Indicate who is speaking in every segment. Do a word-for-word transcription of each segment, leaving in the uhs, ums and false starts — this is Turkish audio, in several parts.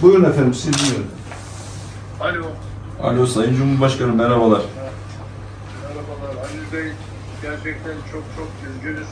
Speaker 1: Buyurun efendim, sizi dinliyorum.
Speaker 2: Alo.
Speaker 3: Alo Sayın Cumhurbaşkanım, merhabalar.
Speaker 2: Merhabalar. Halil Bey, gerçekten çok çok üzgünüz.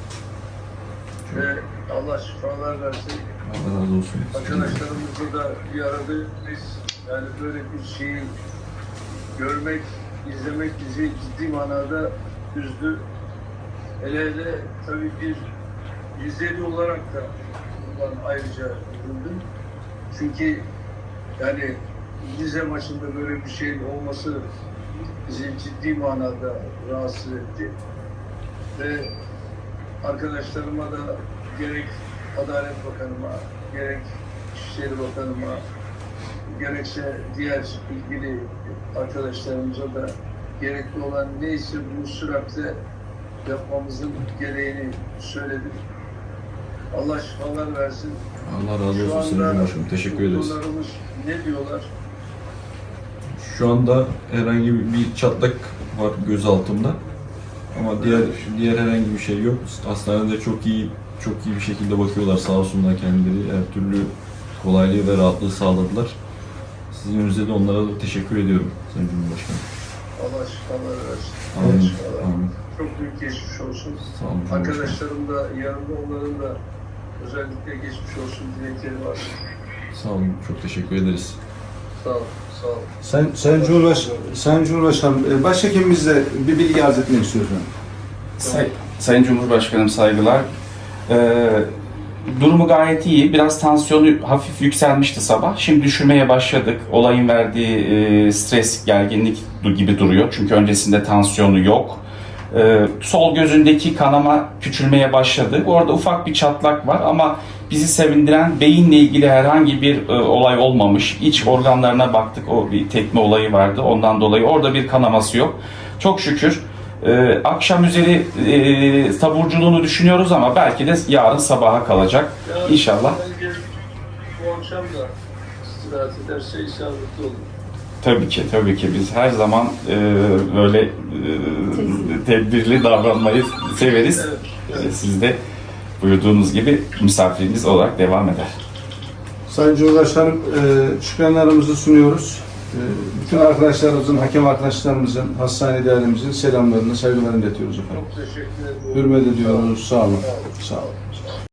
Speaker 2: Ve Allah şifalar versin.
Speaker 3: Allah razı olsun.
Speaker 2: Arkadaşlarımızla da bir aradayız. Yani böyle bir şeyi görmek, izlemek bizi ciddi manada üzdü. Hele hele tabii bir Rizeli olarak da bundan ayrıca üzüldüm. Çünkü yani Rize maçında böyle bir şeyin olması bizi ciddi manada rahatsız etti. Ve arkadaşlarıma da gerek Adalet Bakanıma, gerek İçişleri Bakanıma, gerekse diğer ilgili arkadaşlarımıza da gerekli olan neyse bu süratle yapmamızın gereğini söyledim. Allah şifalar versin.
Speaker 3: Allah razı olsun Sayın Cumhurbaşkanım. Teşekkür ederiz.
Speaker 2: Doktorlarımız ne diyorlar?
Speaker 3: Şu anda herhangi bir çatlak var göz altımda. Ama diğer diğer herhangi bir şey yok. Hastanede çok iyi çok iyi bir şekilde bakıyorlar, sağ olsunlar kendileri. Her türlü kolaylığı ve rahatlığı sağladılar. Sizin önünüzde de onlara da teşekkür ediyorum Sayın Cumhurbaşkanım.
Speaker 2: Allah şifalar versin.
Speaker 3: Amin.
Speaker 2: Allah şifalar.
Speaker 3: Amin.
Speaker 2: Çok büyük geçmiş olsun.
Speaker 3: Sağ olun Cumhurbaşkanım.
Speaker 2: Arkadaşlarım da yanında, onların da özellikle geçmiş olsun dilekleri var.
Speaker 3: Sağ olun. Çok teşekkür ederiz.
Speaker 2: Sağ ol, sağ ol.
Speaker 1: Sayın, Sayın, Cumhurbaş, Sayın Cumhurbaşkanım, e, başhekimimizle bir bilgi arz etmek istiyorum.
Speaker 4: Say, Sayın Cumhurbaşkanım, saygılar. Ee, durumu gayet iyi. Biraz tansiyonu hafif yükselmişti sabah. Şimdi düşürmeye başladık. Olayın verdiği e, stres, gerginlik gibi duruyor. Çünkü öncesinde tansiyonu yok. Ee, sol gözündeki kanama küçülmeye başladı. Orada ufak bir çatlak var ama bizi sevindiren beyinle ilgili herhangi bir e, olay olmamış. İç organlarına baktık. O bir tekme olayı vardı. Ondan dolayı orada bir kanaması yok. Çok şükür. Ee, akşam üzeri e, taburculuğunu düşünüyoruz ama belki de yarın sabaha kalacak.
Speaker 2: Ya,
Speaker 4: İnşallah.
Speaker 2: bence bu akşam da istirahat ederse isabetli olur.
Speaker 4: Tabii ki, tabii ki. Biz her zaman e, böyle e, tedbirli davranmayı severiz.
Speaker 2: Evet,
Speaker 4: E,
Speaker 2: evet.
Speaker 4: Siz de buyurduğunuz gibi misafiriniz olarak devam eder.
Speaker 1: Sayın Cumhurbaşkanım, e, şükranlarımızı sunuyoruz. E, bütün arkadaşlarımızın, hakem arkadaşlarımızın, hastane değerlimizin selamlarını, saygılarını iletiyoruz efendim.
Speaker 2: Çok teşekkür ederim.
Speaker 1: Hürmet ediyoruz. Sağ olun.
Speaker 2: Sağ olun.
Speaker 1: Sağ olun.